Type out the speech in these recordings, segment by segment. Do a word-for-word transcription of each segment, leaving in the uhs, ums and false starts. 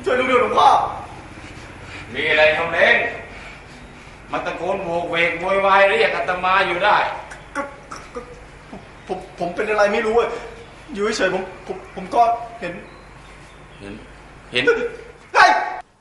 ช่วยลูกด้วยหลวงพ่อมีอะไรทำเล้งมาตะโกนโวกเวกโวยวายเรียกอาตมาอยู่ได้ก็ผมผมเป็นอะไรไม่รู้อยู่เฉยผมผมผมก็เห็นเห็นเห็นไอ้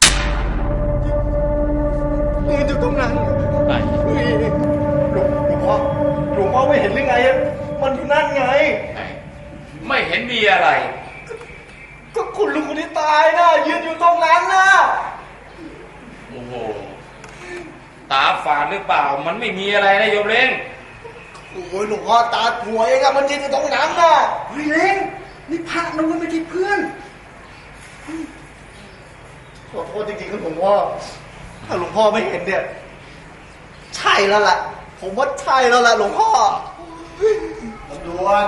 มืออยู่ตรงนั้นไอ้หลวงหลวงพ่อหลวงพ่อไม่เห็นหรือไงมันอยู่นั่นไงไม่เห็นมีอะไรก็คุณลุงคนที่ตายนะยืนอยู่ตรงนั้นนะโอ้โหตาฝาดหรือเปล่ามันไม่มีอะไรนะโยมเล้งโอ้ยหลวงพ่อตาหัวเองอะมันยืนอยู่ตรงนั้นนะเฮ้ยเล้งนี่พระนะมันไม่ใช่เพื่อนขอโทษจริงๆครับหลวงพ่อถ้าหลวงพ่อไม่เห็นเนี่ยใช่แล้วล่ะผมว่าใช่แล้วล่ะหลวงพ่อลำดวน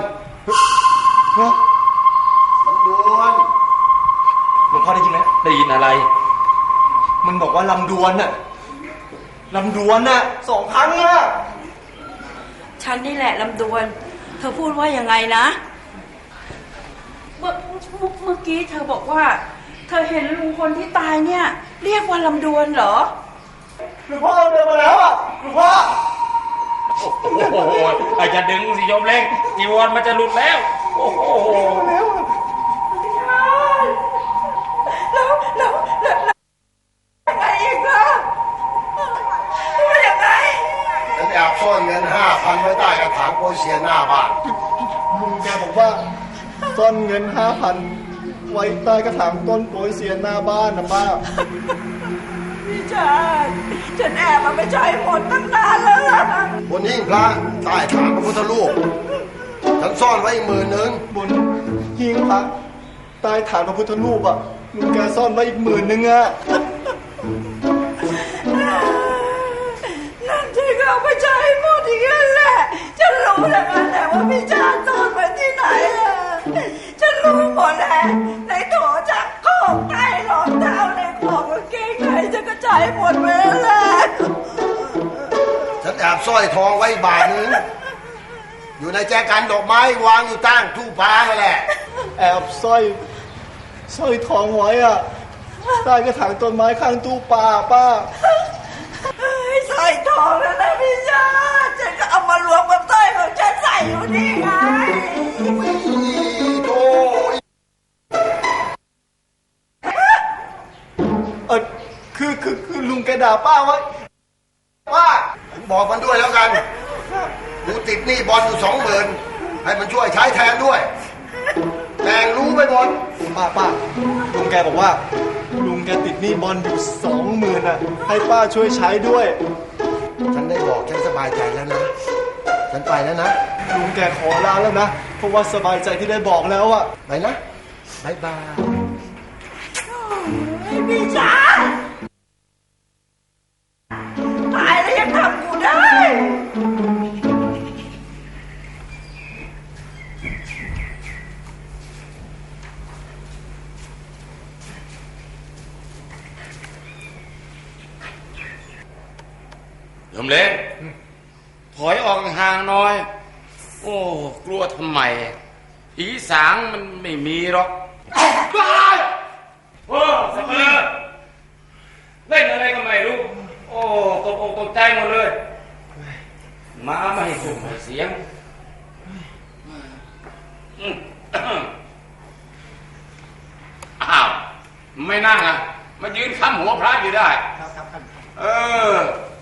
ลำดวนหลวงพ่อได้ยินไหมได้ยินอะไรมันบอกว่าลำดวนน่ะลำดวนน่ะสองครั้งน่ะฉันนี่แหละลำดวนเธอพูดว่ายังไงนะเมื่อเมื่อกี้เธอบอกว่าเธอเห็นลุงคนที่ตายเนี่ยเรียกว่าลำดวนเหรอหลวงพ่อเดินมาแล้วอ่ะหลวงพ่อโอ้โหไอ้จะดึงสิโยมเล้งจีวรมันจะหลุดแล้วโอ้โหแล้วแล้วแล้วแล้วยังไงอีกล่ะว่ายังไงฉันแอบซ่อนเงินห้าพันไว้ใต้กระถางโปเซียหน้าบ้านลุงแกบอกว่าซ่อนเงินห้าพันไว้ใต้กระถางต้นโปเซียหน้าบ้านนะป้าพี่ชายฉันแอบมาไม่ใช้หมดตั้งนานแล้วล่ะบนหิ้งพระใต้ฐานพระพุทธรูปฉันซ่อนไว้อีกหมื่นหนึ่งบนหิ้งพระใต้ฐานพระพุทธรูปอ่ะลุงแกซ่อนไว้อีกหมื่นหนึ่งอ่ะนั่นที่เขาไม่ใช้หมดอีกแล้วแหละฉันรู้แล้วกันแต่ว่าพี่ชายซ่อนไว้ที่ไหนอ่ะฉันรู้หมดแล้วในโถจักรของใต้รองเท้าในของกางเกงในฉันก็ใช้หมดไปแล้วแหละฉันแอบสร้อยทองไว้บาทนึงอยู่ในแจกันดอกไม้วางอยู่ตั้งทูพาแหละแอบสร้อยสร้อยทองไว้อ่ะใต้กระถางต้นไม้ข้างตู้ปลาป้าสร้อยทองแล้วนะพี่ชายฉันก็เอามารวมกับสร้อยของฉันใส่อยู่นี่ไงโอ้ยเออคือคือคือลุงแกด่าป้าไว้ป้าบอกมันด้วยแล้วกันกูติดหนี้บอลอยู่สองหมื่นให้มันช่วยใช้แทนด้วยแม่งรู้ไปหมดป้าป้าลุงแกบอกว่าลุงแกติดหนี้บอลอยู่สองหมื่นอ่ะให้ป้าช่วยใช้ด้วยฉันได้บอกฉันสบายใจแล้วนะฉันไปแล้วนะลุงแกขอลาแล้วนะเพราะว่าสบายใจที่ได้บอกแล้วอ่ะไปนะบ๊ายบายพี่จ๋าตายแล้วยังทำกูได้โยมเล้งถอยออกห่างหน่อยโอ้กลัวทำไมผีสางมันไม่มีหรอกโอ้สมเลยเล่นอะไรก็ไม่รู้โอ้ตกอกตกใจหมดเลยมาไม่ให้ส่งเสียงอ้าวไม่นั่งอ่ะมายืนค้ำหัวพระอยู่ได้เออ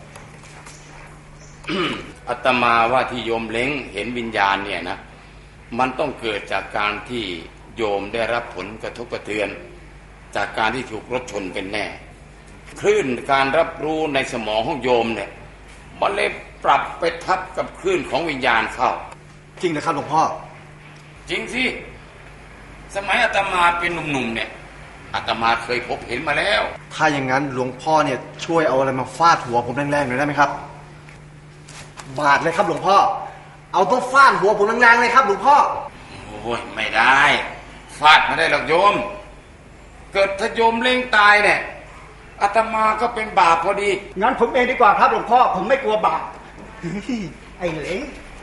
อาตมาว่าที่โยมเล้งเห็นวิญญาณเนี่ยนะมันต้องเกิดจากการที่โยมได้รับผลกระทบกระเทือนจากการที่ถูกรถชนเป็นแน่คลื่นการรับรู้ในสมองของโยมเนี่ยมันเลยปรับไปทับกับคลื่นของวิญญาณเข้าจริงนะครับหลวงพ่อจริงสิสมัยอาตมาเป็นหนุ่มๆเนี่ยอาตมาเคยพบเห็นมาแล้วถ้าอย่างนั้นหลวงพ่อเนี่ยช่วยเอาอะไรมาฟาดหัวผมแรงๆหน่อยได้ไหมครับบาดเลยครับหลวงพ่อเอาตัวฟาดหัวผมแรงๆเลยครับหลวงพ่อโอ้ยไม่ได้ฟาดไม่ได้หรอกโยมเกิดถ้าโยมเล้งตายเนี่ยอาตมาก็เป็นบาปพอดีงั้นผมเองดีกว่าครับหลวงพ่อผมไม่กลัวบาปไอ้เล้ง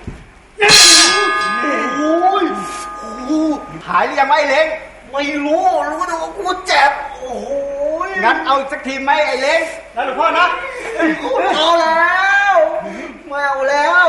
โอ้ยหายหรือยังไงเล้งไม่รู้รู้แต่ว่ากูเจ็บโอ้งั้นเอาอีกสักทีไหมไอ้เล้งนะหลวงพ่อนะเอาแล้วไม่เอาแล้ว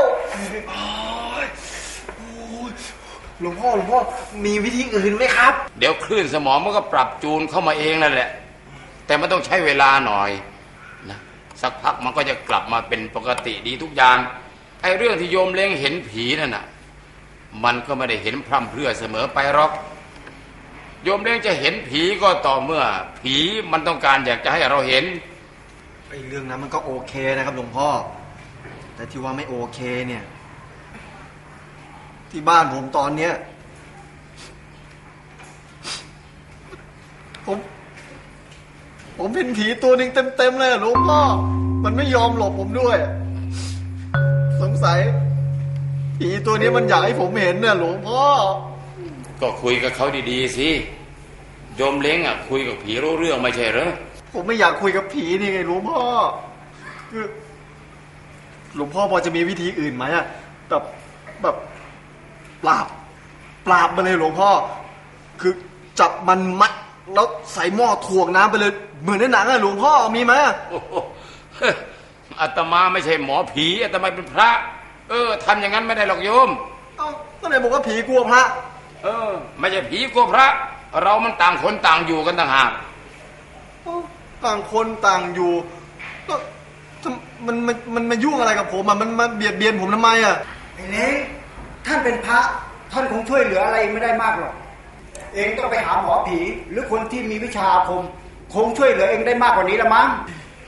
หลวงพ่อหลวงพ่อมีวิธีอื่นไหมครับเดี๋ยวคลื่นสมองมันก็ปรับจูนเข้ามาเองนั่นแหละแต่มันต้องใช้เวลาหน่อยนะสักพักมันก็จะกลับมาเป็นปกติดีทุกอย่างไอ้เรื่องที่โยมเล้งเห็นผีนั่นน่ะมันก็ไม่ได้เห็นพร่ำเพรื่อเสมอไปหรอกโยมเล้งจะเห็นผีก็ต่อเมื่อผีมันต้องการอยากจะให้เราเห็นไอ้เรื่องนั้นมันก็โอเคนะครับหลวงพ่อแต่ที่ว่าไม่โอเคเนี่ยที่บ้านผมตอนเนี้ยผมผมเป็นผีตัวหนึ่งเต็มๆเลยหลวงพ่อมันไม่ยอมหลบผมด้วยสงสัยผีตัวนี้มันอยากให้ผมเห็นเนี่ยหลวงพ่อก็คุยกับเขาดีๆสิโยมเล้งอ่ะคุยกับผีรู้เรื่องไม่ใช่เหรอผมไม่อยากคุยกับผีนี่ไงหลวงพ่อคือหลวงพ่อพอจะมีวิธีอื่นไหมอะแบบแบบปราบปราบมาเลยหลวงพ่อคือจับมันมัดแล้วใส่หม้อถ่วงน้ำไปเลยเหมือนในหนังอะหลวงพ่อมีไหมอาตมาไม่ใช่หมอผีอาตมาเป็นพระเออทำอย่างนั้นไม่ได้หรอกโยมเอ้าก็ไหนบอกว่าผีกลัวพระเออไม่ใช่ผีกลัวพระเรามันต่างคนต่างอยู่กันต่างหากต่างคนต่างอยู่ก็มันมันมันมายุ่งอะไรกับผมอ่ะมันมาเบียดเบียนผมทำไมอ่ะไอ้เล้งท่านเป็นพระท่านคงช่วยเหลืออะไรไม่ได้มากหรอกเองต้องไปหาหมอผีหรือคนที่มีวิชาอาคมคงช่วยเหลือเองได้มากกว่านี้ละมั้ง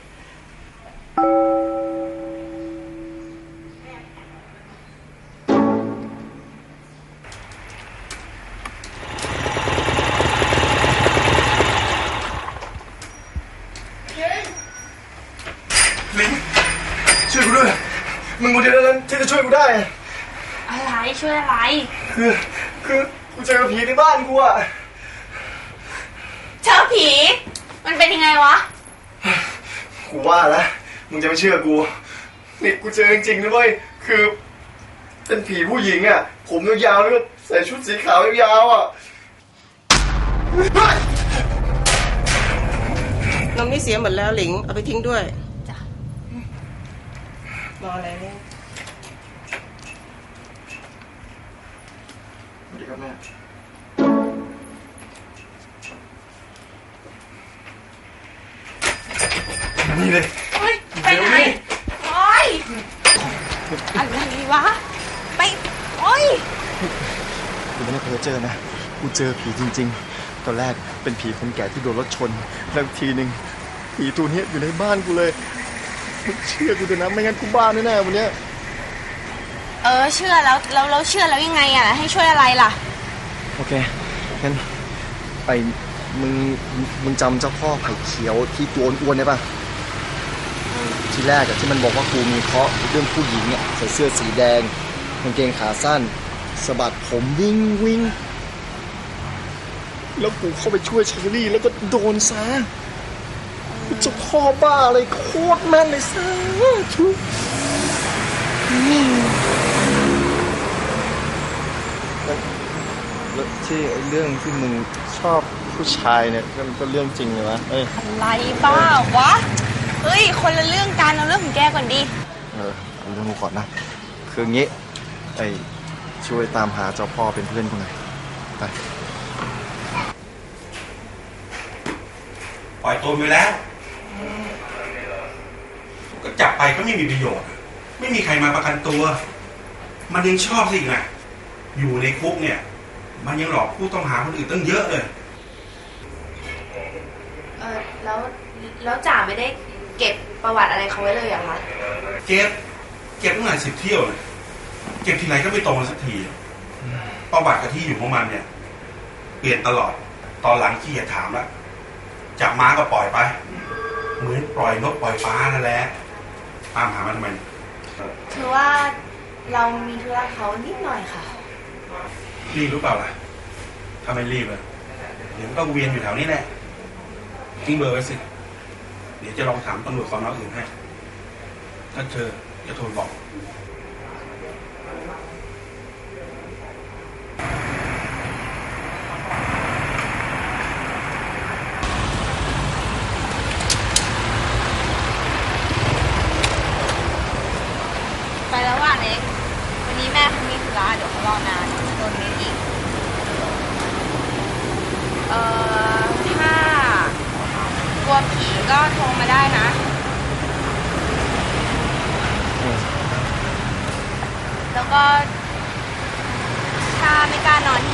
ช่วยกูด้วยมึงคนเดียวนั้นที่จะช่วยกูได้อะไรช่วยอะไรคือคือกูเจอผีในบ้านกูอะเจอผีมันเป็นยังไงวะกูว่าแล้วมึงจะไม่เชื่อกูนี่กูเจอจริงๆนะเว้ยคือเป็นผีผู้หญิงอะผมยาวๆแล้วก็ใส่ชุดสีขาวยาวๆอะน้ำนี่เสียหมดแล้วหลิงเอาไปทิ้งด้วยรออะไรเนี่ยสวัสดีครับแม่นี่เลยไปไหนโอ้ยอะไรวะไปโอ้ยกูไม่ได้เพ้อเจอนะกูเจอผีจริงๆตอนแรกเป็นผีคนแก่ที่โดนรถชนแล้วทีนึงผีตัวนี้อยู่ในบ้านกูเลยเชื่อกูเถอะนะไม่งั้นกูบ้าแน่ๆวันนี้เออเชื่อแล้วแล้วเราเชื่อแล้วยังไงอ่ะให้ช่วยอะไรล่ะโอเคงั้นไปมึงมึงจำเจ้าพ่อไผ่เขียวที่ตัวอ้วนได้ป่ะทีแรกอะที่มันบอกว่ากูมีเคราะห์เรื่องผู้หญิงเนี่ยใส่เสื้อสีแดงกางเกงขาสั้นสะบัดผมวิ่งวิ่งแล้วกูเข้าไปช่วยเชอรี่แล้วก็โดนซะเจ้าพ่อบ้าเลยโคตรแม่นเลยซะทุกแล้วที่ไอ้เรื่องที่มึงชอบผู้ชายเนี่ยก็เรื่องจริงเลยวะเอ้ยอะไรบ้าวะเฮ้ยคนละเรื่องกันเอาเรื่องของแกก่อนดิเออเอาเรื่องกูก่อนนะคืองี้ไอ้ช่วยตามหาเจ้าพ่อเป็นเพื่อนกูหน่อยไปปล่อยตัวไปแล้วก็จับไปก็ไม่มีประโยชน์ไม่มีใครมาประกันตัวมันยังชอบสิไงอยู่ในคุกเนี่ยมันยังหลอกผู้ต้องหาคนอื่นตั้งเยอะเลยเออแล้วแล้วจ่าไม่ได้เก็บประวัติอะไรเขาไว้เลยเหรอคะเก็บเก็บตั้งหลายสิบเที่ยวเลยเก็บทีไรก็ไม่ตรงกันสักทีประวัติกับที่อยู่ของมันเนี่ยเปลี่ยนตลอดตอนหลังขี้จะถามแล้วจับม้าก็ปล่อยไปเหมือนปล่อยนกปล่อยฟ้านั่นแหละตามหามันทำไมคือว่าเรามีธุระเขานิดหน่อยค่ะรีบรู้เปล่าล่ะถ้าไม่รีบเลยเดี๋ยวก็เวียนอยู่แถวนี้แหละทิ้งเบอร์ไว้สิเดี๋ยวจะลองถามตำรวจสอนออื่นให้ถ้าเจอจะโทรบอก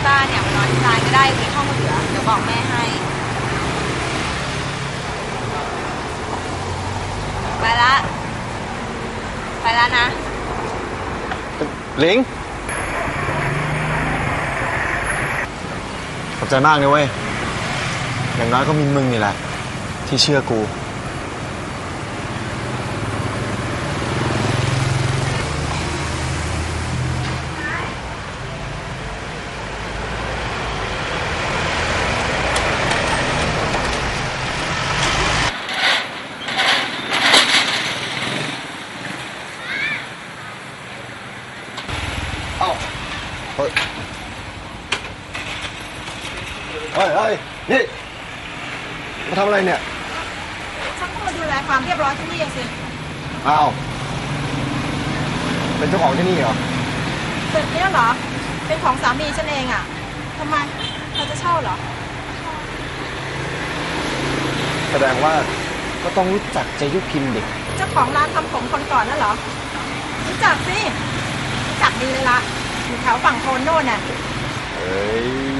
ต้าเนี่ยมานอนที่ร้านก็ได้มีห้องเหลือเดี๋ยวบอกแม่ให้ไปละไปละนะหลิงขอบใจมากนะเว้ยอย่างน้อยก็มีมึงนี่แหละที่เชื่อกูเฮ้ยเฮ้ยเฮ้ยนี่มาทำอะไรเนี่ยฉันก็มาดูแลความเรียบร้อยที่นี่สิอ้าวเป็นเจ้าของที่นี่เหรอตึกนี้เหรอเป็นของสามีฉันเองอ่ะทำไมเธอจะเช่าเหรอแสดงว่าก็ต้องรู้จักเจยุพิมพ์ดิเจ้าของร้านทำผมคนก่อนนั่นเหรอรู้จักสิรู้จักดีเลยละอยู่แถวฝั่งโทนโน่นน่ะเฮ้ย